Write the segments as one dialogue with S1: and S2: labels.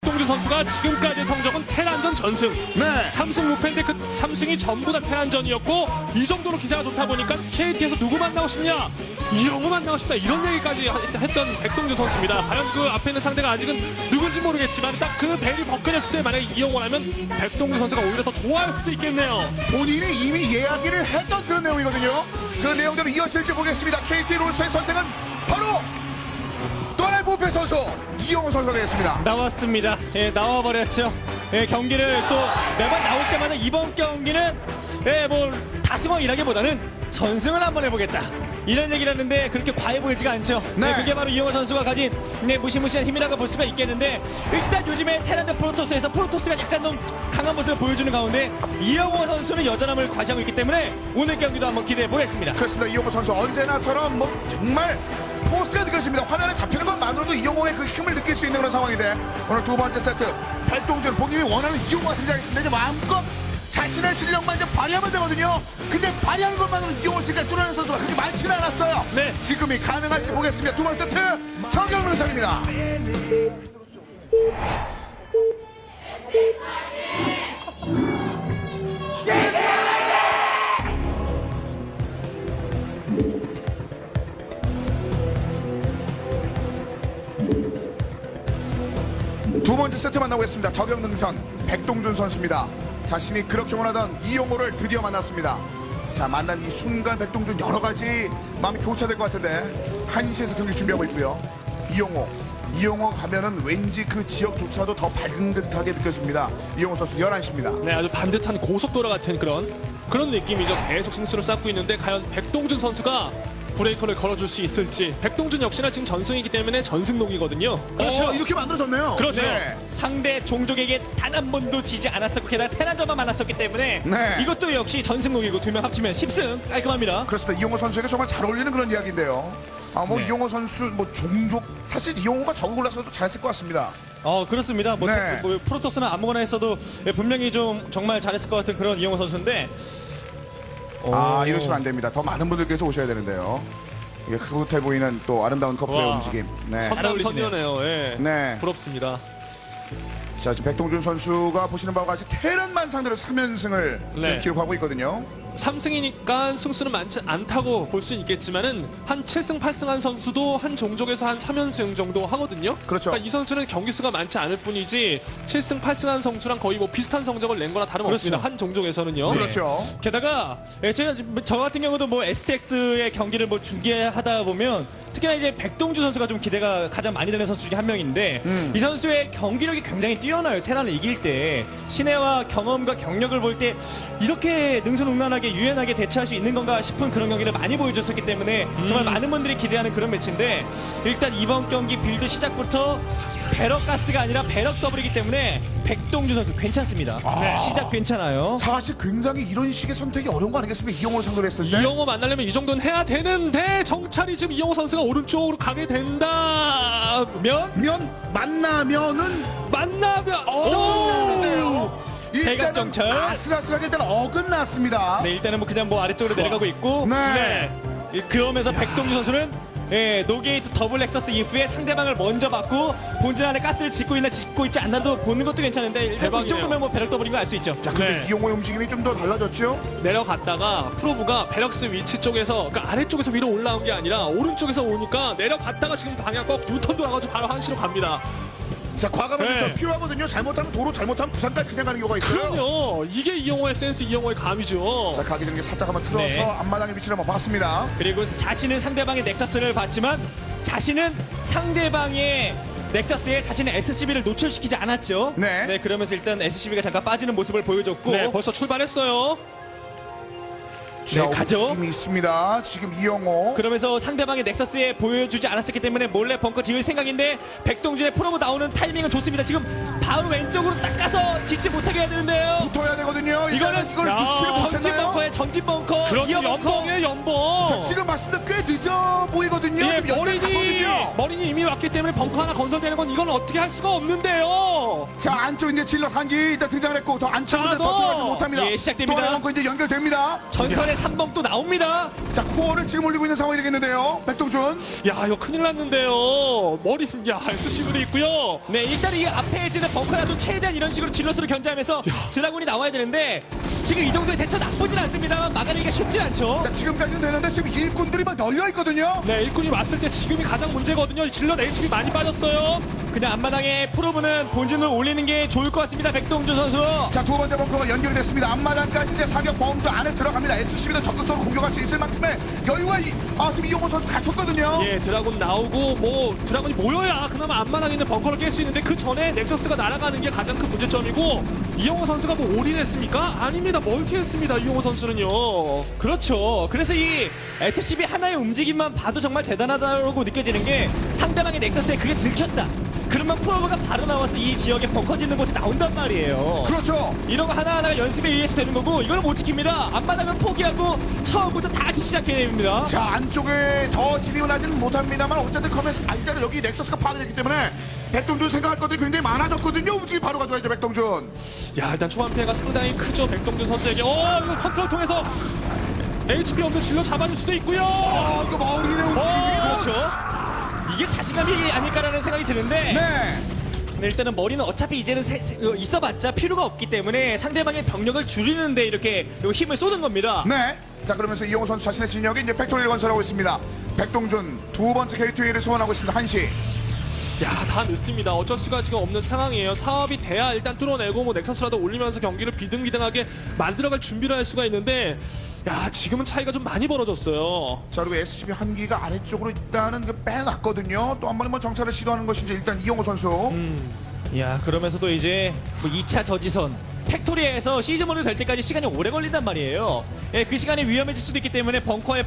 S1: 백동준 선수가 지금까지 성적은 테란전 전승.
S2: 네.
S1: 3승 6패인데 그 3승이 전부 다 테란전이었고 이 정도로 기세가 좋다 보니까 KT에서 누구 만나고 싶냐? 이영호 만나고 싶다. 이런 얘기까지 했던 백동준 선수입니다. 과연 그 앞에 있는 상대가 아직은 누군지 모르겠지만 딱 그 벨이 벗겨졌을 때 만약에 이영호라면 백동준 선수가 오히려 더 좋아할 수도 있겠네요.
S2: 본인이 이미 이야기를 했던 그런 내용이거든요. 그 내용대로 이어질지 보겠습니다. KT 롤스의 선택은 바로 또 하나의 부패 선수 이영호 선수가 되겠습니다.
S3: 나왔습니다. 예, 나와버렸죠. 예, 경기를 또 매번 나올 때마다 이번 경기는 뭐 다승왕이라기보다는 전승을 한번 해보겠다. 이런 얘기를 하는데 그렇게 과해 보이지가 않죠.
S2: 네.
S3: 그게 바로 이영호 선수가 가진 무시무시한 힘이라고 볼 수가 있겠는데 일단 요즘에 테란드 프로토스에서 프로토스가 약간 너무 강한 모습을 보여주는 가운데 이영호 선수는 여전함을 과시하고 있기 때문에 오늘 경기도 한번 기대해 보겠습니다.
S2: 그렇습니다. 이영호 선수 언제나처럼 뭐 정말 포스가 느껴집니다. 화면에 잡히는 것만으로도 이영호의 그 힘을 느낄 수 있는 그런 상황인데 오늘 두 번째 세트 백동준 본인이 원하는 이영호가 등장했습니다. 이제 마음껏 자신의 실력만 이제 발휘하면 되거든요. 근데 발휘하는 것만으로 이영호 씨가 뚫어내는 선수가 그렇게 많지는 않았어요.
S1: 네.
S2: 지금이 가능할지 보겠습니다. 두 번째 세트 정경민 선입니다. 두 번째 세트 만나보겠습니다. 저격능선 백동준 선수입니다. 자신이 그렇게 원하던 이영호를 드디어 만났습니다. 자, 만난 이 순간 백동준 여러 가지 마음이 교차될 것 같은데 1시에서 경기 준비하고 있고요. 이영호 가면은 왠지 그 지역조차도 더 밝은 듯하게 느껴집니다. 이영호 선수 11시입니다.
S1: 네, 아주 반듯한 고속도로 같은 그런 느낌이죠. 계속 승수를 쌓고 있는데 과연 백동준 선수가 브레이커를 걸어줄 수 있을지. 백동준 역시나 지금 전승이기 때문에 전승록이거든요.
S2: 그렇죠. 이렇게 만들어졌네요.
S1: 그렇죠.
S2: 네.
S3: 상대 종족에게 단 한 번도 지지 않았었고 게다가 테란전만 만났었기 때문에
S2: 네.
S3: 이것도 역시 전승록이고 두 명 합치면 10승 깔끔합니다.
S2: 그렇습니다. 이영호 선수에게 정말 잘 어울리는 그런 이야기인데요.
S3: 네.
S2: 이영호 선수 종족 사실 이영호가 저거 골라서도 잘했을 것 같습니다.
S3: 그렇습니다.
S2: 네.
S3: 프로토스는 아무거나 했어도 분명히 좀 정말 잘했을 것 같은 그런 이영호 선수인데
S2: 이러시면 안 됩니다. 더 많은 분들께서 오셔야 되는데요. 이게 흐뭇해 보이는 또 아름다운 커플의
S1: 와.
S2: 움직임. 네.
S1: 선남
S3: 어울리시네요.
S1: 선녀네요. 예.
S2: 네.
S1: 부럽습니다.
S2: 자, 지금 백동준 선수가 보시는 바와 같이 테란만 상대로 3연승을
S1: 네.
S2: 지금 기록하고 있거든요.
S1: 3승이니까 승수는 많지 않다고 볼 수 있겠지만은 한 7승 8승한 선수도 한 종족에서 한 3연승 정도 하거든요.
S2: 그렇죠.
S1: 그러니까 이 선수는 경기 수가 많지 않을 뿐이지 7승 8승한 선수랑 거의 뭐 비슷한 성적을 낸 거나 다름없습니다.
S3: 그렇죠.
S1: 한 종족에서는요.
S2: 그렇죠.
S3: 게다가 제가 저 같은 경우도 뭐 STX의 경기를 뭐 중계하다 보면 특히나 이제 백동준 선수가 좀 기대가 가장 많이 되는 선수 중에 한 명인데 이 선수의 경기력이 굉장히 뛰어나요. 테란을 이길 때 신뢰와 경험과 경력을 볼 때 이렇게 능수능란하게 유연하게 대처할 수 있는 건가 싶은 그런 경기를 많이 보여줬었기 때문에 정말 많은 분들이 기대하는 그런 매치인데 일단 이번 경기 빌드 시작부터 배럭 가스가 아니라 배럭 더블이기 때문에 백동준 선수 괜찮습니다. 시작 괜찮아요.
S2: 사실 굉장히 이런 식의 선택이 어려운 거 아니겠습니까? 이영호를 상대로 했을 때.
S1: 이영호 만나려면 이 정도는 해야 되는데 정찰이 지금 이영호 선수가 오른쪽으로 가게 된다면
S2: 만나면은
S1: 오!
S3: 대각 정찰.
S2: 아슬아슬하게 일단 어긋났습니다.
S3: 네, 일단은 뭐 그냥 뭐 아래쪽으로 내려가고 있고
S2: 네.
S3: 그러면서 백동준 선수는 노게이트 더블 렉서스 이후에 상대방을 먼저 받고 본진 안에 가스를 짓고 있지 않나도 보는 것도 괜찮은데 일단 이
S1: 대박이네요.
S3: 정도면 뭐 배럭 더블인 거 알 수 있죠.
S2: 자, 근데
S1: 네.
S2: 이영호의 움직임이 좀 더 달라졌죠?
S1: 내려갔다가 프로브가 베럭스 위치 쪽에서 그러니까 아래쪽에서 위로 올라온 게 아니라 오른쪽에서 오니까 내려갔다가 지금 방향 꼭 뉴턴 돌아가지고 바로 한시로 갑니다.
S2: 자, 과감하게
S1: 네.
S2: 좀 필요하거든요. 잘못하면 도로, 잘못하면 부산까지 그냥 가는 경우가 있어요.
S1: 그럼요. 이게 이영호의 센스, 이영호의 감이죠.
S2: 자, 가기 전에 살짝 한번 틀어서
S3: 네.
S2: 앞마당의 위치를 한번 봤습니다.
S3: 그리고 자신은 상대방의 넥서스를 봤지만 자신은 상대방의 넥서스에 자신의 SCB를 노출시키지 않았죠.
S2: 네.
S3: 그러면서 일단 SCB가 잠깐 빠지는 모습을 보여줬고
S1: 네, 벌써 출발했어요.
S2: 자,
S3: 가죠.
S2: 움직임이 있습니다. 지금 이영호.
S3: 그러면서 상대방의 넥서스에 보여주지 않았었기 때문에 몰래 벙커 지을 생각인데 백동준의 프로브 나오는 타이밍은 좋습니다. 지금 바로 왼쪽으로 딱 가서 짓지 못하게 해야 되는데요.
S2: 붙어야 되거든요.
S3: 이거는
S2: 이걸
S1: 야,
S2: 눈치를 못
S3: 전진
S2: 챘나요?
S3: 벙커에 전진 벙커,
S1: 그렇죠.
S3: 이어 벙커.
S1: 연봉이에요, 연봉.
S2: 자, 지금 맞습니다. 꽤 늦어 보이거든요.
S1: 예,
S2: 지금 연결 가거든요.
S1: 머리니 이미 왔기 때문에 벙커 하나 건설되는 건 이건 어떻게 할 수가 없는데요.
S2: 자, 안쪽 이제 질럿 한기 일단 등장을 했고, 더 안쪽으로
S1: 자,
S2: 더
S1: 너!
S2: 들어가지 못합니다.
S3: 예, 시작됩니다.
S2: 또 하나 이제 연결됩니다.
S3: 전선의 3번 또 나옵니다.
S2: 자, 코어를 지금 올리고 있는 상황이 되겠는데요. 백동준.
S1: 야, 이거 큰일 났는데요. 머리, 야, SCV도 있고요.
S3: 네, 일단 이 앞에 있는 벙커라도 최대한 이런 식으로 질럿으로 견제하면서 드라군이 나와야 되는데 지금 이 정도의 대처 나쁘진 않습니다만 막아내기가 쉽지 않죠.
S2: 자, 지금까지는 되는데 지금 일꾼들이 막 널려 있거든요.
S1: 네, 일꾼이 왔을 때 지금이 가장 문제거든요. 질럿 HP 많이 빠졌어요.
S3: 그냥 앞마당에 프로브는 본진을 올리는 게 좋을 것 같습니다. 백동준 선수.
S2: 자, 두 번째 벙커가 연결이 됐습니다. 앞마당까지 이제 사격 범주 안에 들어갑니다. SCB도 적극적으로 공격할 수 있을 만큼의 여유가 지금 이용호 선수 갖췄거든요.
S1: 예, 드라군 나오고 뭐 드라군이 모여야 그나마 앞마당에 있는 벙커를 깰 수 있는데 그 전에 넥서스가 날아가는 게 가장 큰 문제점이고 이용호 선수가 뭐 올인했습니까? 아닙니다. 멀티했습니다. 이용호 선수는요.
S3: 그렇죠. 그래서 이 SCB 하나의 움직임만 봐도 정말 대단하다고 느껴지는 게 상대방의 넥서스에 그게 들켰다. 그러면 프로브가 바로 나와서 이 지역에 벙커 짓는 곳에 나온단 말이에요.
S2: 그렇죠.
S3: 이런 거 하나하나가 연습에 의해서 되는 거고 이걸 못 지킵니다. 앞마당은 포기하고 처음부터 다시 시작해야 됩니다.
S2: 자, 안쪽에 더 진입은 하지는 못합니다만 어쨌든 커맨 일단은 여기 넥서스가 파괴됐기 때문에 백동준 생각할 것들이 굉장히 많아졌거든요. 움직임 바로 가져야죠, 백동준.
S1: 야, 일단 초반 피해가 상당히 크죠. 백동준 선수에게. 이거 컨트롤 통해서 HP 없는 질럿 잡아줄 수도 있고요.
S2: 이거 머리의 움직임이.
S3: 그렇죠. 이게 자신감이 아닐까라는 생각이 드는데
S2: 네.
S3: 네, 일단은 머리는 어차피 이제는 있어봤자 필요가 없기 때문에 상대방의 병력을 줄이는데 이렇게 힘을 쏟은 겁니다.
S2: 네. 자, 그러면서 이용호 선수 자신의 진영에 이제 팩토리를 건설하고 있습니다. 백동준 두 번째 게이트웨이를 소환하고 있습니다. 1시.
S1: 야, 다 늦습니다. 어쩔 수가 지금 없는 상황이에요. 사업이 돼야 일단 뚫어내고 뭐 넥서스라도 올리면서 경기를 비등비등하게 만들어갈 준비를 할 수가 있는데 야, 지금은 차이가 좀 많이 벌어졌어요.
S2: 자, 그리고 SCB 한기가 아래쪽으로 일단은 빼놨거든요. 또 한 번에 정찰을 시도하는 것인지 일단 이용호 선수.
S3: 야, 그러면서도 이제 뭐 2차 저지선 팩토리에서 시즈모드 될 때까지 시간이 오래 걸린단 말이에요. 예, 그 시간이 위험해질 수도 있기 때문에 벙커에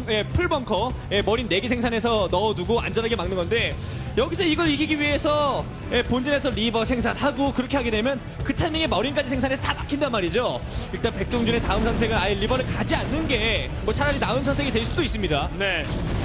S3: 풀벙커 머린 4개 생산해서 넣어두고 안전하게 막는 건데 여기서 이걸 이기기 위해서 본진에서 리버 생산하고 그렇게 하게 되면 그 타이밍에 머린까지 생산해서 다 막힌단 말이죠. 일단 백동준의 다음 선택은 아예 리버를 가지 않는 게 뭐 차라리 나은 선택이 될 수도 있습니다.
S1: 네.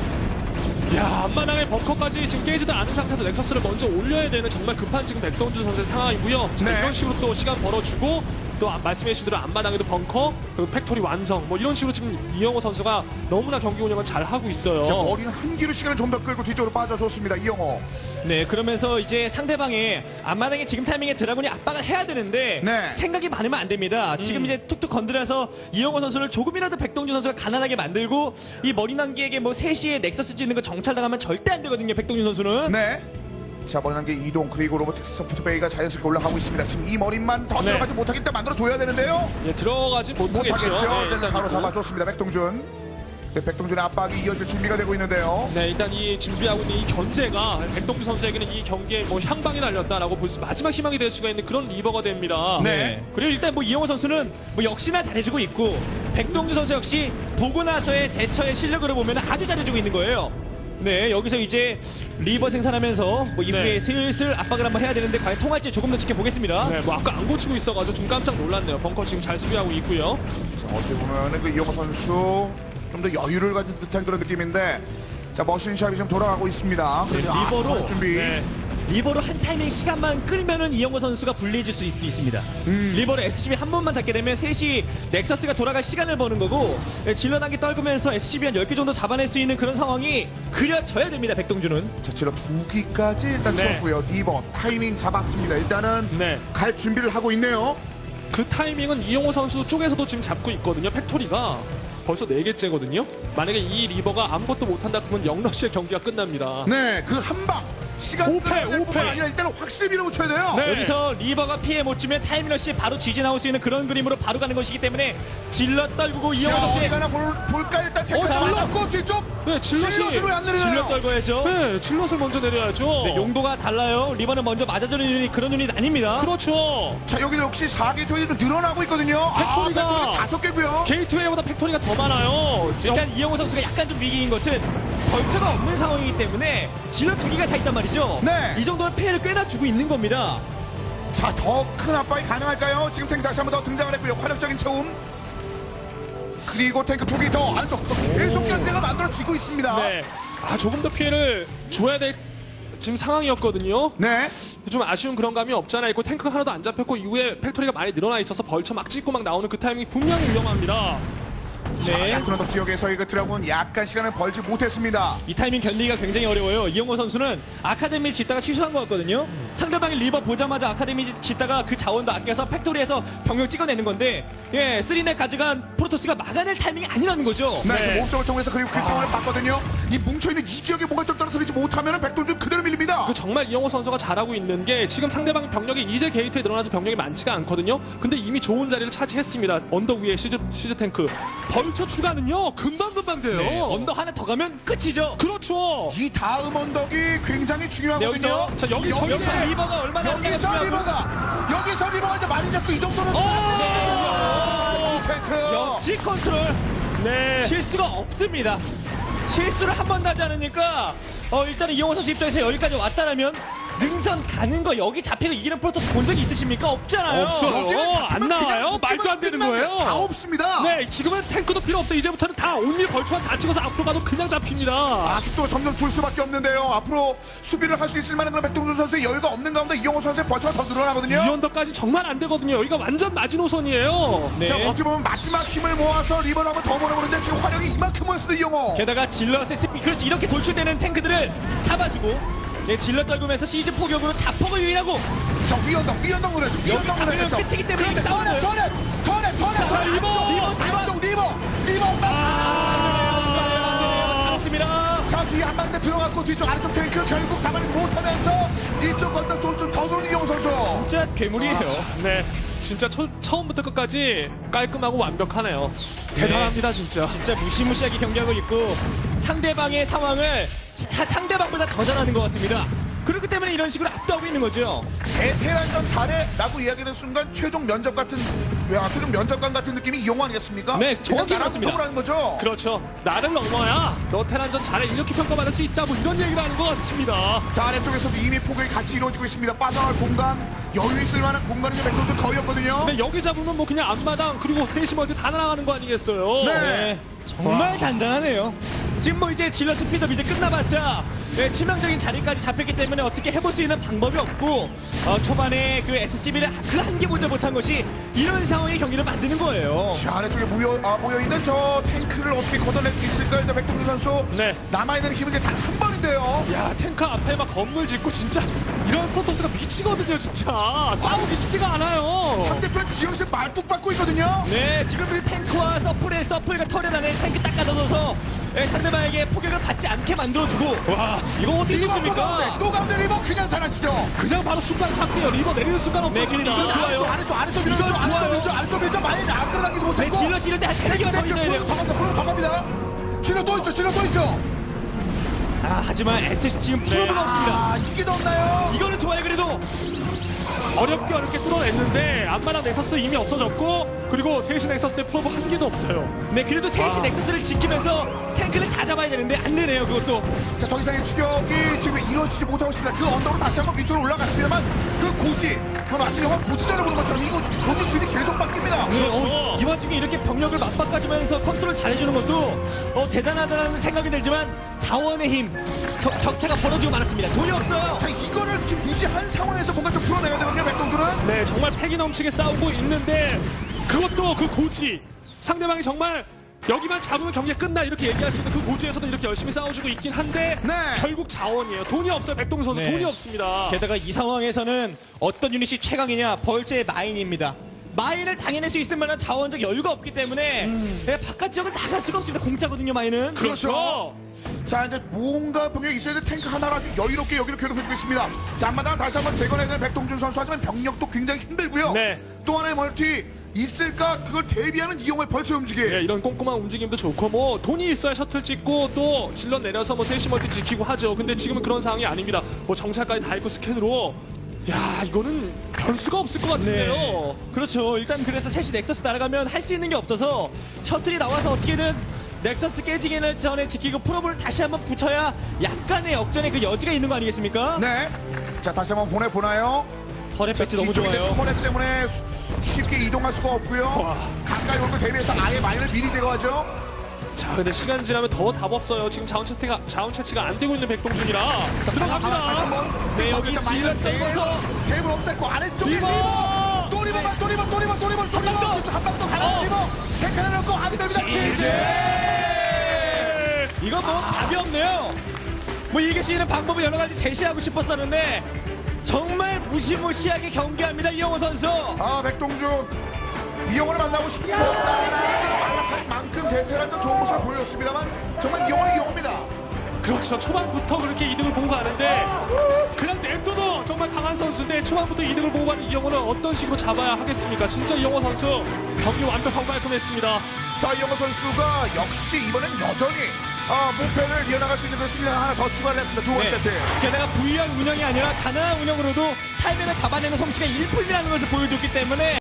S1: 야, 앞마당의 벙커까지 지금 깨지도 않은 상태에서 넥서스를 먼저 올려야 되는 정말 급한 지금 백동준 선수의 상황이고요. 자,
S2: 네.
S1: 이런 식으로 또 시간 벌어주고 또 말씀해 주신 대로 앞마당에도 벙커 그리고 팩토리 완성 뭐 이런 식으로 지금 이영호 선수가 너무나 경기 운영을 잘 하고 있어요.
S2: 자, 머리는 한기로 시간을 좀 더 끌고 뒤쪽으로 빠져줬습니다. 이용호.
S3: 네, 그러면서 이제 상대방의 앞마당에 지금 타이밍에 드라군이 압박을 해야 되는데
S2: 네.
S3: 생각이 많으면 안 됩니다. 지금 이제 툭툭 건드려서 이영호 선수를 조금이라도 백동준 선수가 가난하게 만들고 이 머리 난기에게 뭐 3시에 넥서스 짓는 거 정찰당하면 절대 안 되거든요. 백동준 선수는.
S2: 네. 자, 머리난 게 이동 그리고 로보틱스 소프트베이가 자연스럽게 올라가고 있습니다. 지금 이 머리만 더
S1: 네.
S2: 들어가지 못하기 때문에 만들어줘야 되는데요.
S1: 예, 들어가지 못하겠죠.
S2: 못하겠죠.
S1: 네,
S2: 일단 바로
S1: 이거.
S2: 잡아줬습니다. 백동준. 네, 백동준의 압박이 이어질 준비가 되고 있는데요.
S1: 네, 일단 이 준비하고 있는 이 견제가 백동준 선수에게는 이 경기에 뭐 향방이 날렸다라고 볼 수, 마지막 희망이 될 수가 있는 그런 리버가 됩니다.
S2: 네.
S3: 그리고 일단 뭐 이영호 선수는 뭐 역시나 잘해주고 있고 백동준 선수 역시 보고 나서의 대처의 실력으로 보면 아주 잘해주고 있는 거예요. 네, 여기서 이제 리버 생산하면서 뭐 이후에
S1: 네.
S3: 슬슬 압박을 한번 해야 되는데 과연 통할지 조금 더 지켜보겠습니다.
S1: 네, 뭐 아까 안 고치고 있어가지고 좀 깜짝 놀랐네요. 벙커 지금 잘 수비하고 있고요.
S2: 자, 어떻게 보면은 그 이용호 선수 좀 더 여유를 가진 듯한 그런 느낌인데, 자, 머신샵이 지금 돌아가고 있습니다. 그래서
S3: 리버로,
S2: 준비.
S1: 네.
S3: 리버로 한 타이밍 시간만 끌면은 이영호 선수가 불리해질 수 있습니다. 리버로 SCB 한 번만 잡게 되면 3시 넥서스가 돌아갈 시간을 버는 거고 질러 단계 떨구면서 SCB 한 10개 정도 잡아낼 수 있는 그런 상황이 그려져야 됩니다. 백동준은.
S2: 자, 질러 2기까지 일단
S1: 네.
S2: 채웠고요. 리버 타이밍 잡았습니다. 일단은
S1: 네.
S2: 갈 준비를 하고 있네요.
S1: 그 타이밍은 이용호 선수 쪽에서도 지금 잡고 있거든요. 팩토리가 벌써 4개째거든요. 만약에 이 리버가 아무것도 못한다 그러면 영러시의 경기가 끝납니다.
S2: 네, 그 한 방 시간
S1: 오패,
S2: 끌어낼 뿐만
S1: 오패.
S2: 아니라 일단은 확실히 밀어붙여야 돼요.
S1: 네.
S3: 여기서 리버가 피해 못 주면 타이밍러시 바로 뒤지 나올 수 있는 그런 그림으로 바로 가는 것이기 때문에 질러 떨구고 이영호
S2: 자, 어디
S3: 선수의
S2: 가나 볼까 일단 태클
S1: 질러!
S2: 맞았고 뒤쪽.
S1: 네,
S2: 질럿으로 안 내려요.
S3: 질러 떨궈야죠.
S1: 네, 질럿을 먼저 내려야죠.
S3: 네, 용도가 달라요. 리버는 먼저 맞아주는 유닛 그런 유닛 아닙니다.
S1: 그렇죠.
S2: 자, 여기는 역시 4개 토이도 늘어나고 있거든요.
S1: 팩토리가
S2: 팩토리가 5개고요.
S1: 게이트웨이보다 팩토리가 더 많아요.
S3: 일단 이영호 선수가 약간 좀 위기인 것은 벌처가 없는 상황이기 때문에 질러 2개가 다 있단 말이죠.
S2: 네.
S3: 이 정도면 피해를 꽤나 주고 있는 겁니다.
S2: 자, 더 큰 압박이 가능할까요? 지금 탱크 다시 한번 더 등장을 했고요. 화력적인 채움. 그리고 탱크 2개 더 안쪽 또 계속 견제가 만들어지고 있습니다.
S1: 네. 아, 조금 더 피해를 줘야 될 지금 상황이었거든요.
S2: 네.
S1: 좀 아쉬운 그런 감이 없잖아 있고 탱크가 하나도 안 잡혔고 이후에 팩토리가 많이 늘어나 있어서 벌쳐 막 찍고 막 나오는 그 타이밍이 분명히 위험합니다.
S2: 네. 야투런덕 지역에서 이 드라군 약간 시간을 벌지 못했습니다.
S3: 이 타이밍 견디기가 굉장히 어려워요. 이용호 선수는 아카데미 짓다가 취소한 것 같거든요. 상대방이 리버 보자마자 아카데미 짓다가 그 자원도 아껴서 팩토리에서 병력 찍어내는 건데, 예, 3넥 가져간 프로토스가 막아낼 타이밍이 아니라는 거죠.
S2: 네.
S1: 네.
S2: 그 몸쪽을 통해서 그리고 그 상황을 봤거든요. 이 뭉쳐있는 이 지역에 뭔가 좀 떨어뜨리지 못하면 백동준 그대로 밀립니다.
S1: 그 정말 이영호 선수가 잘하고 있는 게 지금 상대방 병력이 이제 게이트에 늘어나서 병력이 많지가 않거든요. 근데 이미 좋은 자리를 차지했습니다. 언덕 위에 시즈 탱크. 벌쳐 추가는요 금방 돼요.
S3: 네, 언덕 하나 더 가면 끝이죠.
S1: 그렇죠.
S2: 이 다음 언덕이 굉장히 중요하거든요.
S3: 여기서,
S1: 자, 여기서
S3: 리버가 얼마나
S2: 여기서 리버가 이제 많이 잡고 이 정도는 이 탱크.
S3: 역시 컨트롤
S1: 네.
S3: 실수가 없습니다. 실수를 한 번도 하지 않으니까 일단은 이용호 선수 입장에서 여기까지 왔다라면 능선 가는 거 여기 잡히고 이기는 프로토스 본 적이 있으십니까? 없잖아요.
S1: 없어요.
S2: 여기는
S1: 안 나와요?
S2: 그냥
S1: 말도 안 되는
S2: 끝나면
S1: 거예요.
S2: 다 없습니다.
S1: 네, 지금은 탱크도 필요 없어요. 이제부터는 다 온리 벌초만 다 찍어서 앞으로 가도 그냥 잡힙니다.
S2: 아직도 점점 줄 수밖에 없는데요. 앞으로 수비를 할 수 있을 만한 그런 백동준 선수의 여유가 없는 가운데 이영호 선수의 벌초가 더 늘어나거든요.
S1: 이 언덕까지 정말 안 되거든요. 여기가 완전 마지노선이에요.
S3: 네.
S2: 자, 어떻게 보면 마지막 힘을 모아서 리버를 한번 더 보내보는데 지금 화력이 이만큼 모였어요, 이영호.
S3: 게다가 질럿의 스피 그렇지 이렇게 돌출되는 탱크들을 잡아주고 질럿 떨구면서 시즈 포격으로 자폭을 유인하고
S2: 저 위언덕 노래죠.
S3: 여기 잡으면 끝이기 때문에 이렇게 싸우는 거예요.
S2: 턴에
S1: 자, 리버.
S2: 안쪽 리버
S3: 없습니다.
S2: 자, 뒤에 한 방대 들어갔고 뒤쪽 아래쪽 탱크 결국 잡아내지 못하면서 이쪽 건너 좀더 도는 이영호 선수.
S3: 진짜 괴물이에요.
S1: 네. 진짜 처음부터 끝까지 깔끔하고 완벽하네요. 대단합니다, 진짜.
S3: 진짜 무시무시하게 경기하고 있고 상대방의 상황을 상대방보다 더 잘하는 것 같습니다. 그렇기 때문에 이런 식으로 압도하고 있는 거죠.
S2: 대테란전 잘해라고 이야기하는 순간 최종 면접관 같은 느낌이 이영호 아니겠습니까?
S3: 네,
S2: 그냥
S3: 정확히
S2: 나랑
S3: 그렇습니다.
S2: 소통을 하는 거죠.
S1: 그렇죠. 나를 넘어야 너 테란전 잘해 이렇게 평가받을 수 있다 뭐 이런 얘기를 하는 것 같습니다.
S2: 자, 아래쪽에서도 이미 포격이 같이 이루어지고 있습니다. 빠져나갈 공간, 여유 있을 만한 공간이 백동준 거의 없거든요.
S1: 근데 여기 잡으면 뭐 그냥 앞마당 그리고 세시 멀티 다 날아가는 거 아니겠어요?
S2: 네.
S3: 정말 간단하네요. 지금 뭐 이제 질러 스피드업 이제 끝나봤자 치명적인 자리까지 잡혔기 때문에 어떻게 해볼 수 있는 방법이 없고 초반에 그 SCB를 그 한계 보지 못한 것이 이런 상황의 경기를 만드는 거예요.
S2: 자, 아래쪽에 모여있는 저 탱크를 어떻게 걷어낼 수 있을까요? 백동준 선수.
S1: 네.
S2: 남아있는 힘은 이제 단 한 번인데요.
S1: 야 탱크 앞에 막 건물 짓고 진짜 이런 프로토스가 미치거든요 진짜. 싸우기 쉽지가 않아요.
S2: 상대편 지역에서 말뚝 받고 있거든요.
S3: 네, 지금 그 탱크와 서플과 털에 안에 탱크 딱 가둬둬서 상대방에게 포격을 받지 않게 만들어주고
S1: 와
S3: 이거 어떻게
S2: 리버
S3: 좋습니까?
S2: 또 가운데 리버 그냥 사라지죠.
S1: 그냥 바로 순간 삭제요. 리버 내리는 순간 없어집니다.
S3: 이건 좋아요.
S2: 아래쪽 밀죠. 많이 안 끌어당기지
S3: 네,
S2: 못했고.
S3: 질럿이 이럴 때 한 3개가 더 있어야 돼요.
S2: 더 갑니다. 질러 또 있죠.
S3: 하지만 SC 지금 프로브가 없습니다.
S2: 아, 이게 더 없나요?
S3: 이거는 좋아요. 그래도
S1: 어렵게 뚫어냈는데 앞마당 넥서스 이미 없어졌고 그리고 세시 넥서스의 프로브 한 개도 없어요.
S3: 네, 그래도 셋이 넥서스를 지키면서 탱크를 다 잡아야 되는데 안 되네요. 그것도
S2: 자, 더 이상의 추격이 지금 이루어지지 못하고 있습니다. 그 언덕으로 다시 한번 위쪽으로 올라갔습니다만 그 고지, 그 마치 영화 고지전을 보는 것처럼 이거 고지 수율이 계속 바뀝니다.
S1: 그렇죠.
S3: 이 와중에 이렇게 병력을 맞바꿔주면서 컨트롤 잘해주는 것도 대단하다는 생각이 들지만 자원의 힘 격차가 벌어지고 말았습니다. 돈이 없어요.
S2: 자, 이거를 지금 유지한 상황에서 뭔가 좀 풀어내야 되거든요, 백동준은.
S1: 네, 정말 패기 넘치게 싸우고 있는데 그것도 그 고지 상대방이 정말 여기만 잡으면 경기가 끝나 이렇게 얘기할 수 있는 그 고지에서도 이렇게 열심히 싸워주고 있긴 한데
S2: 네.
S1: 결국 자원이에요. 돈이 없어요. 백동준 선수
S3: 네.
S1: 돈이 없습니다.
S3: 게다가 이 상황에서는 어떤 유닛이 최강이냐? 벌제의 마인입니다. 마인을 당해낼 수 있을 만한 자원적 여유가 없기 때문에 바깥 지역을 나갈 수가 없습니다. 공짜거든요, 마인은.
S1: 그렇죠.
S2: 자, 이제 뭔가 병력이 있어야 될 탱크 하나로 아주 여유롭게 여기를 괴롭혀주고 있습니다. 자, 앞마당을 다시 한번 재건해야 되는 백동준 선수. 하지만 병력도 굉장히 힘들고요.
S1: 네.
S2: 또 하나의 멀티 있을까? 그걸 대비하는 이용을 벌써 움직이.
S1: 네, 이런 꼼꼼한 움직임도 좋고 뭐 돈이 있어야 셔틀 찍고 또 질럿 내려서 뭐 세시 멀티 지키고 하죠. 근데 지금은 그런 상황이 아닙니다. 뭐 정찰까지 다 있고 스캔으로 야 이거는 변수가 없을 것 같은데요.
S3: 네. 그렇죠. 일단 그래서 셋이 넥서스 날아가면 할 수 있는 게 없어서 셔틀이 나와서 어떻게든 넥서스 깨지기 전에 지키고 프로브를 다시 한번 붙여야 약간의 역전의 그 여지가 있는 거 아니겠습니까?
S2: 네. 자, 다시 한번 보내보나요?
S3: 터렛 배치 너무
S2: 뒤쪽인데
S3: 좋아요.
S2: 터널 때문에 쉽게 이동할 수가 없고요.
S1: 와.
S2: 가까이 올 걸 대비해서 아예 마인을 미리 제거하죠.
S1: 자, 근데 시간 지나면 더 답 없어요. 지금 자원 차치가 안 되고 있는 백동준이라
S2: 다시
S1: 들어갑니다.
S2: 한번.
S3: 네, 여기
S2: 일단
S3: 지휘를
S2: 마이너스
S3: 떨궈서
S2: 테이블 없앴고 아래쪽에
S1: 리버!
S2: 또 리버만 또 리버 한방 더 가라 리버 탱크 하나 넣고 안 됩니다.
S3: 이거 뭐 답이 없네요. 뭐 이길 수 있는 방법을 여러 가지 제시하고 싶었었는데 정말 무시무시하게 경기합니다 이영호 선수.
S2: 아 백동준 이영호를 만나고 싶다라는 만큼 대테란도 좋은 모습을 보여줬습니다만 정말 이영호는 이영호입니다.
S1: 그렇죠. 초반부터 그렇게 이득을 보고 가는데 그냥 냅둬도 정말 강한 선수인데 초반부터 이득을 보고 가는 이영호는 어떤 식으로 잡아야 하겠습니까? 진짜 이영호 선수 경기 완벽하고 깔끔했습니다.
S2: 자 이영호 선수가 역시 이번엔 여전히 목표를 이어나갈 수 있는 그 수비를 하나 더 추가를 했습니다. 두 번째 세트.
S3: 게다가 부유한 운영이 아니라 가난한 운영으로도 타이밍을 잡아내는 솜씨가 일품이라는 것을 보여줬기 때문에